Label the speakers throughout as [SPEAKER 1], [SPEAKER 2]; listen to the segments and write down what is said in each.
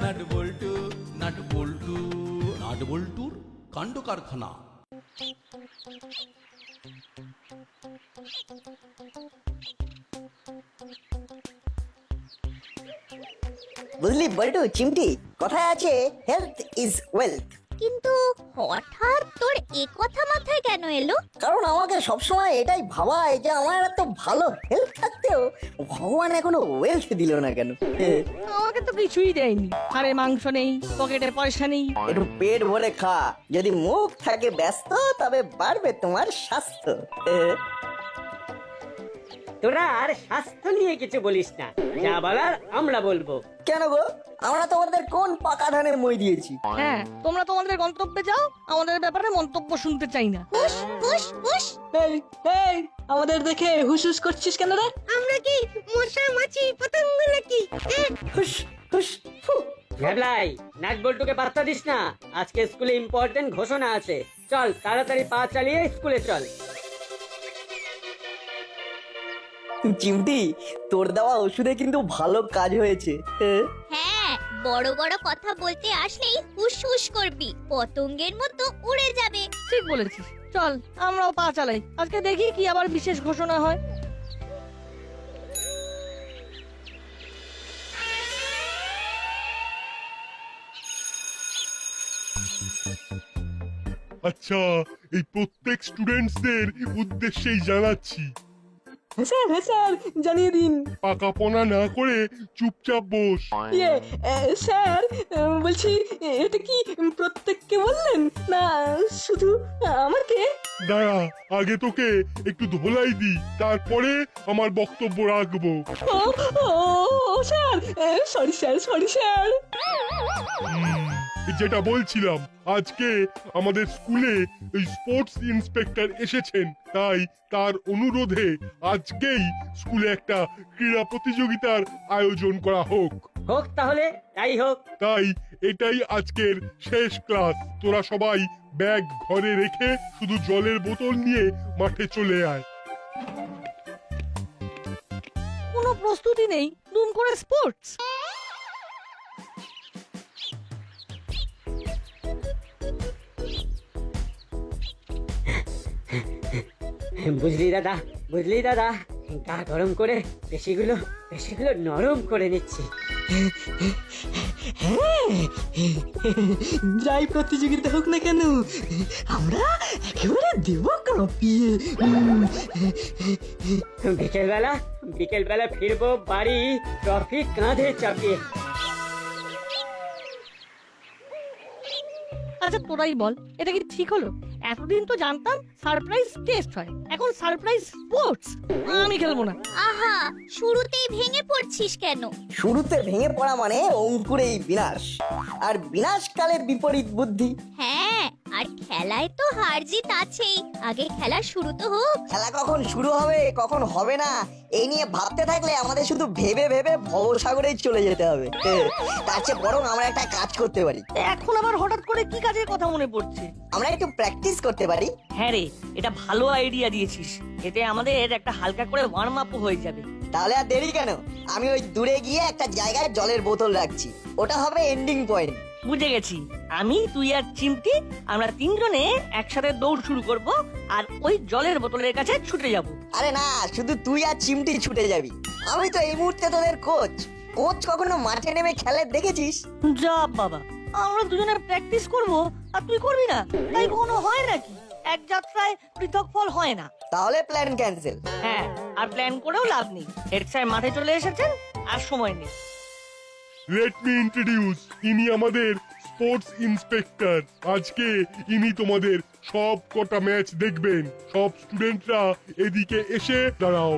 [SPEAKER 1] Nut Boltu Nut Boltu Nut বল্টুর কাণ্ড কারখানা।
[SPEAKER 2] বুঝলি বল্টু চিমটি, কথায় আছে হেলথ ইজ ওয়েলথ।
[SPEAKER 3] কিন্তু হঠাৎ তোর এ কথা মাথায় কেন এলো?
[SPEAKER 2] কারণ আমাকে সবসময় এটাই ভাবায় যে আমার এত ভালো হেলথ থাকতেও ভগবান এখনো ওয়েলথ দিল না কেন।
[SPEAKER 4] আমাকে তো কিছুই দেয়নি, আরে মাংস নেই, পকেটে পয়সা নেই।
[SPEAKER 2] একটু পেট ভরে খা, যদি মুখ থাকে ব্যস্ত তবে বাড়বে তোমার স্বাস্থ্য।
[SPEAKER 5] তোরা আর স্বাস্থ্য নিয়ে কিছু বলিস না, যা বলার আমরা বলবো।
[SPEAKER 2] কেন গো, আমরা তোমাদের কোন পাকা ধানের মই দিয়েছি?
[SPEAKER 4] হ্যাঁ, তোমরা তোমাদের গন্তব্যে যাও, আমাদের ব্যাপারে মন্তব্য শুনতে চাই না।
[SPEAKER 3] হুশ হুশ হুশ।
[SPEAKER 6] এই এই আমাদের দেখে হুসহুস করছিস কেন রে?
[SPEAKER 3] আমরা কি মশা মাছি পতঙ্গ নাকি?
[SPEAKER 2] হুস হুস ফু।
[SPEAKER 5] ভ্যাবলাই, নাট বল্টুকে পাত্তা দিস না, আজকে স্কুলে ইম্পর্টেন্ট ঘোষণা আছে। চল তাড়াতাড়ি পা চালিয়ে স্কুলে চল।
[SPEAKER 2] চিমটি, তোর দেওয়া ওষুধে কিন্তু ভালো কাজ হয়েছে।
[SPEAKER 3] হ্যাঁ, বড় বড় কথা বলতে আসলেই হুশ হুশ করবি, পতঙ্গের মতো উড়ে যাবে।
[SPEAKER 4] ঠিক বলেছিস, চল আমরাও পা চালাই, আজকে দেখি কি আবার বিশেষ ঘোষণা হয়।
[SPEAKER 7] আচ্ছা, এই প্রত্যেক স্টুডেন্টসদের উদ্দেশ্যেই জানাচ্ছি,
[SPEAKER 6] হ্যাঁ স্যার জানিয়ে দিন।
[SPEAKER 7] পাকাপোনা না করে চুপচাপ বস।
[SPEAKER 6] ইয়ে স্যার, বলছি এটা কি প্রত্যেককে বললেন না শুধু আমাকে?
[SPEAKER 7] দাঁড়া, আগে তোকে একটু ধোলাই দি, তারপরে আমার বক্তব্য রাখবো।
[SPEAKER 6] ও ও sir, sorry sir, sorry sir.
[SPEAKER 7] যেটা বলছিলাম, আজকে আমাদের স্কুলে এই স্পোর্টস ইন্সপেক্টর এসেছেন, তাই তার অনুরোধে আজকেই স্কুলে একটা ক্রীড়া প্রতিযোগিতার আয়োজন করা হোক।
[SPEAKER 5] হোক তাহলে, তাই হোক।
[SPEAKER 7] তাই এটাই আজকের শেষ ক্লাস। তোরা সবাই ব্যাগ ঘরে রেখে শুধু জলের বোতল নিয়ে মাঠে চলে আয়।
[SPEAKER 4] কোনো প্রস্তুতি নেই, দুম করে স্পোর্টস।
[SPEAKER 5] বুঝলি দাদা, বুঝলি দাদা, গা গরম করে পেশিগুলো নরম করে নিচ্ছি।
[SPEAKER 6] যাই প্রতিযোগিতা হোক না কেন, আমরা একেবারে দেব কাঁপিয়ে।
[SPEAKER 5] বিকেলবেলা ফিরবো বাড়ি ট্রফি কাঁধে চাপিয়ে।
[SPEAKER 4] আচ্ছা তোরাই বল, এটা কি ঠিক হলো? এতদিন তো জানতাম সারপ্রাইজ টেস্ট হয়, এখন সারপ্রাইজ স্পোর্টস। আমি খেলবো না।
[SPEAKER 3] আহা, শুরুতেই ভেঙে পড়ছিস কেন?
[SPEAKER 2] শুরুতে ভেঙে পড়া মানে অঙ্কুরেই বিনাশ, আর বিনাশকালের বিপরীত বুদ্ধি।
[SPEAKER 3] হ্যাঁ, আর খেলায় তো হার জিত আছেই, আগে খেলা শুরু তো হোক।
[SPEAKER 2] খেলা কখন শুরু হবে কখন হবে না এই নিয়ে ভাবতে থাকলে আমাদের শুধু ভেবে ভেবে ভবসাগরেই চলে যেতে হবে। তার চেয়ে বরং আমরা একটা কাজ করতে পারি।
[SPEAKER 4] এখন আবার হঠাৎ করে কি কাজের কথা মনে পড়ছে?
[SPEAKER 2] আমরা একটু প্র্যাকটিস করতে পারি।
[SPEAKER 4] হ্যাঁ রে, এটা ভালো আইডিয়া দিয়েছিস, এতে আমাদের একটা হালকা করে ওয়ার্ম আপ হয়ে যাবে।
[SPEAKER 2] তাহলে আর দেরি কেন, আমি ওই দূরে গিয়ে একটা জায়গায় জলের বোতল রাখছি, ওটা হবে এন্ডিং পয়েন্ট।
[SPEAKER 4] বুঝে গেছি, আমি তুই আর চিমটি আমরা তিনজনে একসাথে দৌড় শুরু করব আর ওই জলের বোতলের কাছে ছুটে যাব।
[SPEAKER 2] আরে না, শুধু তুই আর চিমটি ছুটে যাবি, আমি তো এই মুহূর্তে তোদের কোচ। কোচ কখনো মাঠে নেমে খেলে দেখেছিস?
[SPEAKER 4] যা বাবা, আমরা দুজনে প্র্যাকটিস করব আর তুই করবি না, তাই কখনো হয় নাকি? এক যাত্রায় পৃথক ফল হয় না।
[SPEAKER 2] তাহলে প্ল্যান ক্যান্সেল।
[SPEAKER 4] হ্যাঁ, আর প্ল্যান করেও লাভ নেই, হেড স্যার মাঠে চলে এসেছেন আর সময় নেই।
[SPEAKER 7] লেট মি ইন্ট্রোডিউস, ইনি আমাদের স্পোর্টস ইন্সপেক্টর। আজকে ইনি তোমাদের সব কটা ম্যাচ দেখবেন। সব স্টুডেন্টরা এদিকে এসে দাঁড়াও।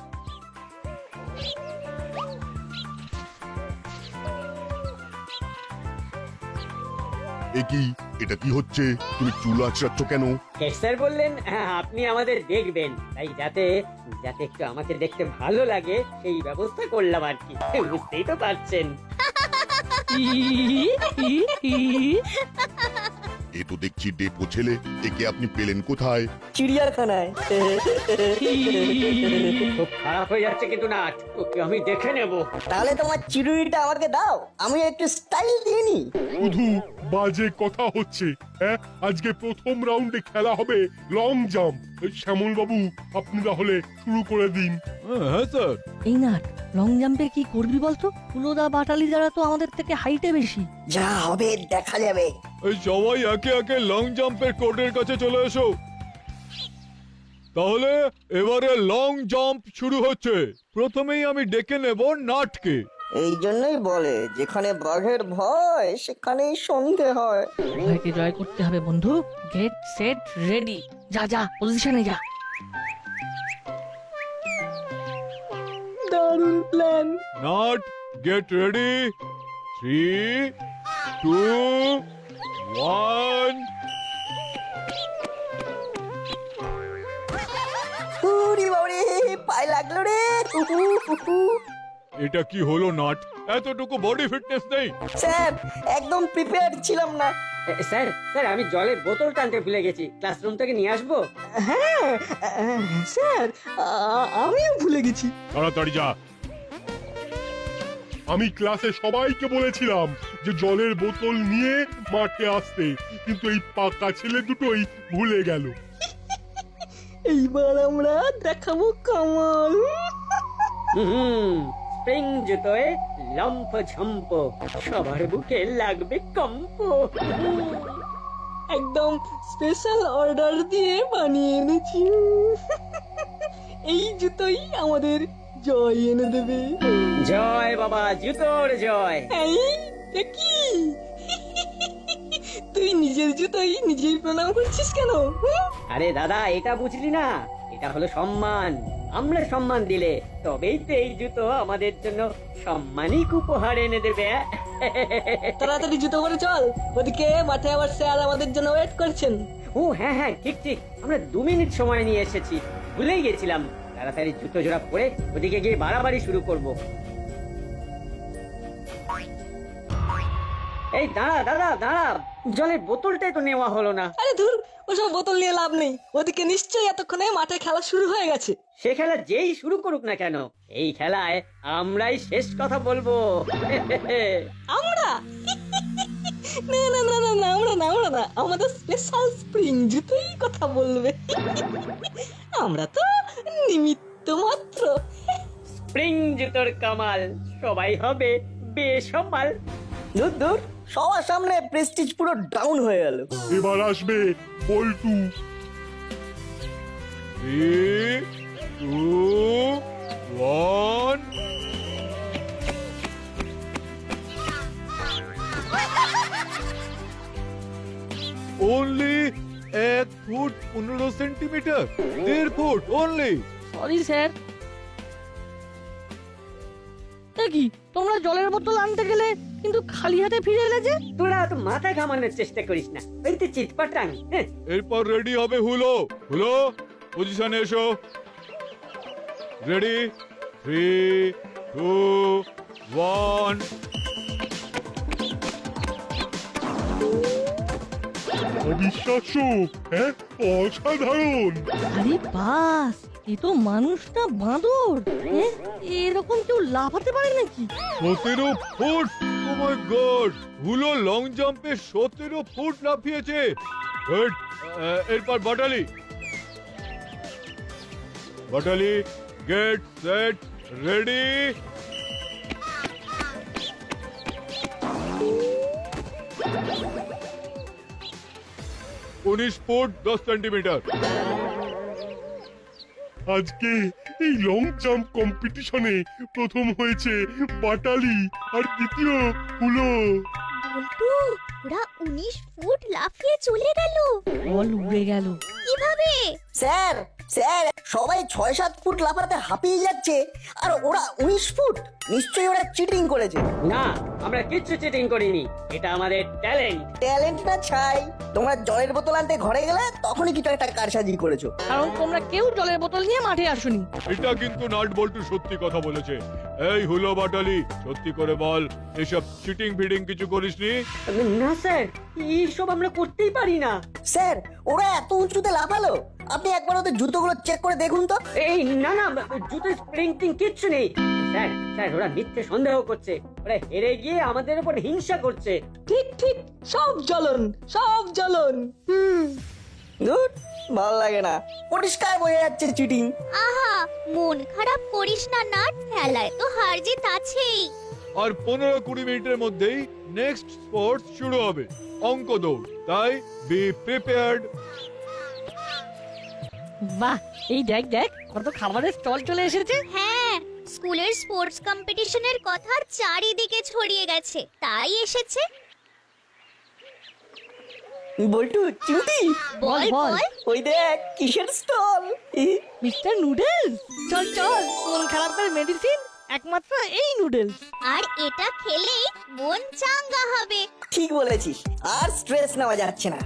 [SPEAKER 8] এটা কি হচ্ছে? তুমি চুল আঁচড়াচ্ছ কেন?
[SPEAKER 5] হেড স্যার বললেন আপনি আমাদের দেখবেন, তাই যাতে একটু আমাকে দেখতে ভালো লাগে সেই ব্যবস্থা করলাম আর কি। বুঝতেই তো পারছেন।
[SPEAKER 8] এ তো দেখছি ডেপো ছেলে, একে আপনি পেলেন কোথায়?
[SPEAKER 2] চিড়িয়াখানায়।
[SPEAKER 5] খুব খারাপ হয়ে যাচ্ছে কিন্তু নাট, ওকে আমি দেখে নেব।
[SPEAKER 2] তাহলে তোমার চিরুনিটা আমাকে দাও, আমি একটু স্টাইল দিয়ে নি।
[SPEAKER 7] শুধু বাজে কথা হচ্ছে। হ্যাঁ, আজকে প্রথম রাউন্ডে খেলা হবে লং জাম্প। শ্যামল বাবু, আপনি তাহলে শুরু করে দিন।
[SPEAKER 1] হ্যাঁ স্যার।
[SPEAKER 4] এই নাট, লং জাম্পের কি করবি বলতো? ফুলোদা বাটালি যারা তো আমাদের থেকে হাইটে বেশি।
[SPEAKER 2] যা হবে দেখা যাবে।
[SPEAKER 1] এই সবাই একে একে লং জাম্পের কোর্টের কাছে চলে এসো। তাহলে এবারে লং জাম্প শুরু হচ্ছে। প্রথমেই আমি ডেকে নেব নাটকে।
[SPEAKER 2] এই জন্যই বলে যেখানে বাঘের ভয় সেখানেই সন্ধে হয়।
[SPEAKER 4] ভয়কে জয় করতে হবে বন্ধু। Get set ready. যা যা, পজিশনে যা।
[SPEAKER 6] দারুণ প্ল্যান।
[SPEAKER 1] Nut, get ready. 3, 2, 1।
[SPEAKER 2] উরি বাবারে, পায়ে লাগলো রে।
[SPEAKER 1] এটা কি হলো নাট? এতটুকু বডি ফিটনেস নেই?
[SPEAKER 2] স্যার, একদম প্রিপেয়ার ছিলাম না।
[SPEAKER 5] স্যার স্যার, আমি জলের বোতল টানতে ভুলে গেছি, ক্লাসরুম থেকে নিয়ে আসবো?
[SPEAKER 6] হ্যাঁ স্যার, আমিও ভুলে গেছি।
[SPEAKER 1] তাড়াতাড়ি যা।
[SPEAKER 7] আমি ক্লাসে সবাইকে বলেছিলাম যে জলের বোতল নিয়ে মাঠে আসতে, কিন্তু এই পাকা ছেলে দুটোই ভুলে গেল।
[SPEAKER 6] এইবার আমরা দেখাবো কামাল।
[SPEAKER 5] স্প্রিং জুতোয় লম্ফ ঝম্প, সবার বুকে লাগবে কম্প।
[SPEAKER 6] একদম স্পেশাল অর্ডার দিয়ে বানিয়ে এনেছি। এই জুতোই আমাদের জয় এনে দেবে।
[SPEAKER 5] জয় বাবা, জুতোর জয়।
[SPEAKER 6] এই কি তুই নিজের জুতোই নিজেই প্রণাম করছিস কেন?
[SPEAKER 5] আরে দাদা, এটা বুঝলি না? এটা হলো সম্মান। আমরা সম্মান দিলে তবেই তো এই জুতো আমাদের জন্য সম্মানিক উপহার এনে দেবে।
[SPEAKER 6] তাড়াতাড়ি জুতো করে চল, ওদিকে মাঠে আবার স্যার আমাদের জন্য ওয়েট করছেন।
[SPEAKER 5] ও হ্যাঁ হ্যাঁ, ঠিক ঠিক, আমরা 2 মিনিট সময় নিয়ে এসেছি, ভুলেই গেছিলাম। তাড়াতাড়ি জুতো জোড়া পরে ওদিকে গিয়ে বাড়াবাড়ি শুরু করব। এই দাঁড়া দাদা দাঁড়া, জলের বোতলটাই তো নেওয়া হলো না।
[SPEAKER 6] আরে ধুর, ওসব বোতল নিয়ে লাভ নেই। ওদিকে নিশ্চয়ই এতক্ষণে মাঠে খেলা শুরু হয়ে গেছে।
[SPEAKER 5] সে খেলা যেই শুরু করুক না কেন, এই খেলায় আমরাই শেষ কথা বলবো।
[SPEAKER 6] আমরা না না না না না, আমরা না, আমাদের স্পেশাল স্প্রিং জুতোই কথা বলবে। আমরা তো নিমিত্ত মাত্র।
[SPEAKER 5] স্প্রিং জুতোর কামাল, সবাই হবে বেসামাল।
[SPEAKER 2] দূর দূর, সবার সামনে প্রেস্টিজ পুরো ডাউন হয়ে গেল।
[SPEAKER 7] এবার আসবে Boltu.
[SPEAKER 1] 3, 2, 1। Only 1 foot 15 centimetre, 1.5 foot only.
[SPEAKER 4] Sorry sir. কি তোমরা জলের বোতল আনতে গেলে কিন্তু খালি হাতে ফিরে এলে যে?
[SPEAKER 5] তোরা তো মাথা ঘামানোর চেষ্টা করিস না, ওই তো চিৎপাটাং।
[SPEAKER 1] এরপর রেডি হবে হুলো। হুলো, পজিশনে এসো। রেডি, 3, 2, 1।
[SPEAKER 7] অবিশ্বাস্য, হ্যাঁ, অসাধারণ।
[SPEAKER 4] আরে বাস, এ তো মানুষ না বাঁদর। এরকম কেউ লাফাতে পারে নাকি?
[SPEAKER 1] 17 foot! Oh my god! Hulo long জাম্পে 17 ফুট লাফিয়েছে। গুড। এরপর Batali. Batali, get set ready. উনিশ ফুট 10 সেন্টিমিটার।
[SPEAKER 7] আজকে এই লং জাম্প কম্পিটিশনে প্রথম হয়েছে বাটালি আর দ্বিতীয় হলো।
[SPEAKER 3] বল্টু, ওরা 19 ফুট লাফিয়ে চলে গেল।
[SPEAKER 4] বল উড়ে গেল।
[SPEAKER 3] কিভাবে?
[SPEAKER 2] স্যার, স্যার সবাই 6-7 ফুট লাফাতে হাঁপিয়ে যাচ্ছে আর ওরা 19 ফুট। নিশ্চয়ই ওরা চিটিং করেছে।
[SPEAKER 5] না, আমরা কিচ্ছু চিটিং করিনি, এটা আমাদের ট্যালেন্ট।
[SPEAKER 2] ট্যালেন্ট না ছাই, তোমরা জলের বোতল আনতে ঘরে গেলে তখনই কিছু একটা কারসাজি করেছো।
[SPEAKER 4] কারণ তোমরা কেউ জলের বোতল নিয়ে মাঠে আসোনি।
[SPEAKER 1] এটা কিন্তু নাট বল্টু সত্যি কথা বলেছে। এই হুলো বাটালি, সত্যি করে বল, এসব চিটিং ফিটিং কিছু করিসনি?
[SPEAKER 5] না স্যার, এইসব আমরা করতেই পারি না।
[SPEAKER 2] স্যার ওরা এত উঁচুতে লাফালো, আপনি একবার ওদের জুতোগুলো চেক করে দেখুন তো।
[SPEAKER 5] এই না না, জুতোর স্প্রিং টিং কিচ্ছু নেই। স্যার স্যার, ওরা মিথ্যে সন্দেহ করছে, ওরা হেরে গিয়ে আমাদের উপর হিংসা করছে।
[SPEAKER 6] ঠিক ঠিক, সব জ্বলন, সব জ্বলন।
[SPEAKER 2] ধুর, ভালো লাগে না, পরিষ্কার বোঝা যাচ্ছে চিটিং।
[SPEAKER 3] আহা, মন খারাপ করিস না নাট, খেলায় তো হার জিত আছেই।
[SPEAKER 1] আর 15-20 মিনিটের মধ্যেই নেক্সট স্পোর্টস শুরু হবে, অঙ্ক দৌড়। তাই বি প্রিপেয়ার্ড।
[SPEAKER 4] বাহ, এই দেখ দেখ কত খাবারের স্টল চলে এসেছে।
[SPEAKER 3] হ্যাঁ, স্কুলের স্পোর্টস কম্পিটিশনের কথা চারিদিকে ছড়িয়ে গেছে, তাই এসেছে।
[SPEAKER 2] বল্টু, চিমটি,
[SPEAKER 3] বল
[SPEAKER 4] বল।
[SPEAKER 3] বল।
[SPEAKER 2] ওই দেখ কিসের স্টল।
[SPEAKER 4] মিস্টার নুডলস, চল চল, মন খারাপের মেডিসিন একমাত্র এই নুডলস।
[SPEAKER 3] আর এটা খেলেই মন চাঙ্গা হবে।
[SPEAKER 2] ঠিক বলেছিস, আর স্ট্রেস নেওয়া যাচ্ছে না।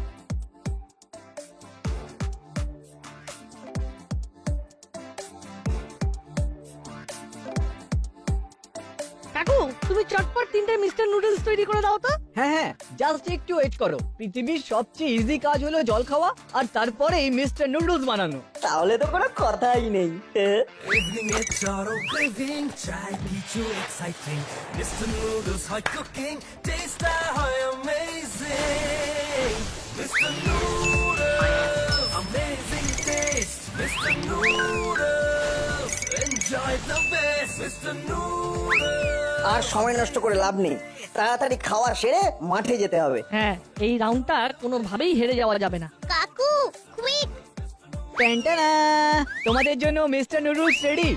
[SPEAKER 4] কাকু, তুমি চটপট 3টে মিস্টার নুডলস তৈরি করে দাও তো।
[SPEAKER 9] হ্যাঁ হ্যাঁ, জাস্ট একটু ওয়েট করো। পৃথিবীর সবচেয়ে ইজি কাজ হলো জল খাওয়া, আর তারপরে এই মিস্টার নুডলস বানানো।
[SPEAKER 2] তাহলে তো কোনো কথাই নেই।
[SPEAKER 10] Evening it's auto craving, try কিছু exciting. Mr. Noodles hot cooking, taste high amazing. Mr. Noodles, amazing taste. Mr. Noodles, enjoy the best. Mr. Noodles.
[SPEAKER 2] আর সময় নষ্ট করে লাভ নেই, তাড়াতাড়ি খাওয়া সেরে মাঠে যেতে হবে।
[SPEAKER 4] হ্যাঁ, এই রাউন্ডটা কোনোভাবেই হেরে যাওয়া যাবে না।
[SPEAKER 3] কাকু, কুইক।
[SPEAKER 9] ট্যান্টানা, তোমাদের জন্য মিস্টার নুডলস রেডি।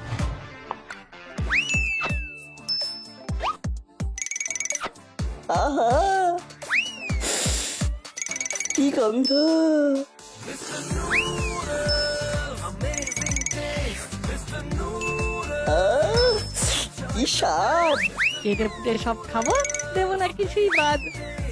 [SPEAKER 2] আহা, কি গন্ধ! আহ, কি স্বাদ!
[SPEAKER 4] কেটে ফুটে সব খাবো, দেবো না কিছুই বাদ।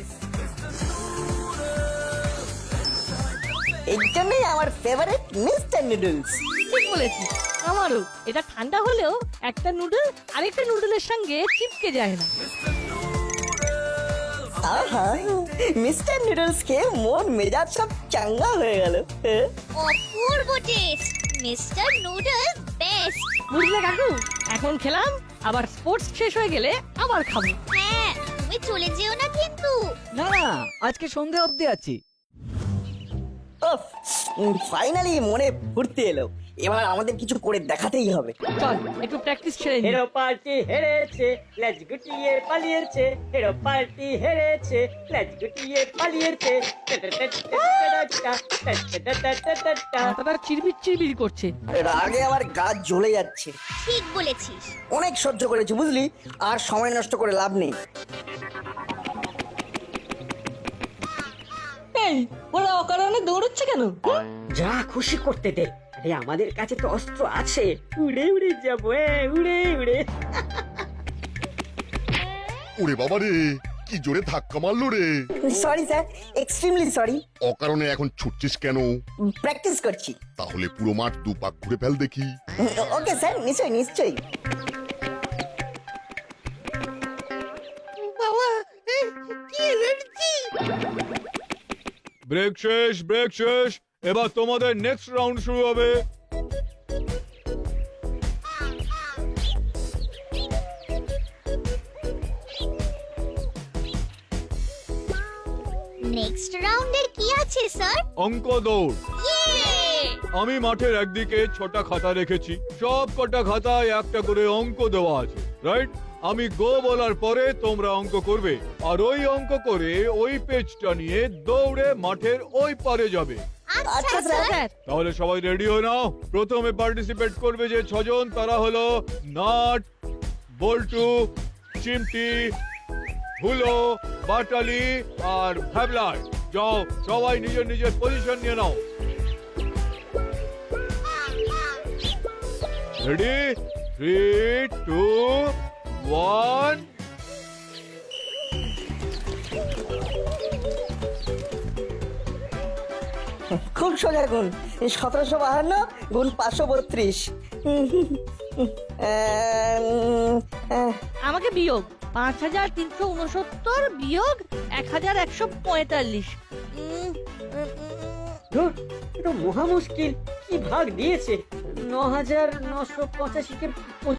[SPEAKER 2] এই জন্যই আমার ফেভারিট মিস্টার নুডলস।
[SPEAKER 4] ঠিক বলেছিস, আমারও। এটা ঠান্ডা হলেও একটা নুডল আরেকটা নুডলের সঙ্গে চিপকে যায় না।
[SPEAKER 2] আহা, মিস্টার নুডলস খেয়ে মন মেজাজ সব চাঙ্গা হয়ে গেল।
[SPEAKER 3] অপূর্ব টেস্ট, মিস্টার নুডল বেস্ট।
[SPEAKER 4] বুঝলে কাকু, এখন খেলাম, আবার স্পোর্টস শেষ হয়ে গেলে আবার খাবো।
[SPEAKER 3] হ্যাঁ, তুমি চলে যেও না কিন্তু।
[SPEAKER 9] না না, আজকে সন্ধে অবধি আছি।
[SPEAKER 2] উফ, ফাইনালি মনে ফুর্তি এলো। এবার আমাদের কিছু করে দেখাতেই হবে।
[SPEAKER 4] চল একটু প্র্যাকটিস ছেড়ে নি।
[SPEAKER 5] হেরো পার্টি হেরেছে, লেজ গুটিয়ে পালিয়েছে। হেরো পার্টি হেরেছে, লেজ গুটিয়ে পালিয়েছে।
[SPEAKER 4] মাথাটা চিরবির চিরবির করছে।
[SPEAKER 2] রাগে আমার গা জ্বলে যাচ্ছে।
[SPEAKER 3] ঠিক বলেছিস।
[SPEAKER 2] অনেক সহ্য করেছি বুঝলি, আর সময় নষ্ট করে লাভ নেই।
[SPEAKER 6] এই, ওরা অকারণে দৌড়চ্ছে কেন?
[SPEAKER 5] যা খুশি করতে দে, আরে আমাদের কাছে তো অস্ত্র আছে, উড়ে উড়ে যাবো, উড়ে উড়ে।
[SPEAKER 8] ওরে বাবা রে, কি জোরে ধাক্কা মারলো রে!
[SPEAKER 2] Sorry sir, extremely sorry.
[SPEAKER 8] অকারণে এখন ছুটছিস কেন?
[SPEAKER 2] প্র্যাকটিস করছি।
[SPEAKER 8] তাহলে পুরো মাঠ 2 পাক ঘুরে ফেল দেখি।
[SPEAKER 2] ওকে স্যার, নিশ্চয়ই নিশ্চয়ই।
[SPEAKER 4] বাবা, কি এনার্জি!
[SPEAKER 1] ব্রেক শেষ, ব্রেক শেষ। এবার তোমাদের নেক্সট রাউন্ড শুরু হবে।
[SPEAKER 3] নেক্সট রাউন্ডের কি আছে স্যার?
[SPEAKER 1] অঙ্ক দৌড়।
[SPEAKER 3] ইয়ে!
[SPEAKER 1] আমি মাঠের একদিকে 6টা খাতা রেখেছি, সব কটা খাতায় একটা করে অঙ্ক দেওয়া আছে, রাইট? আমি গো বলার পরে তোমরা অঙ্ক করবে, আর ওই অঙ্ক করে ওই পেজটা নিয়ে দৌড়ে মাঠের ওই পারে যাবে।
[SPEAKER 2] আচ্ছা স্যার।
[SPEAKER 4] স্যার,
[SPEAKER 1] তাহলে সবাই রেডি হয়ে নাও। প্রথমে পার্টিসিপেট করবে যে 6 জন, তারা হলো নাট, বল্টু, চিমটি, হুলো, বাটালি আর ভ্যাবলার। যাও, সবাই নিজের নিজের পজিশন নিয়ে নাও। রেডি 3 2 1
[SPEAKER 2] খুব সোজা গুণ 1752 গুণ 532
[SPEAKER 4] আমাকে বিয়োগ 5369 বিয়োগ 1145।
[SPEAKER 5] ধুর, এটা মহা মুশকিল। কি ভাগ দিয়েছে 9985 কে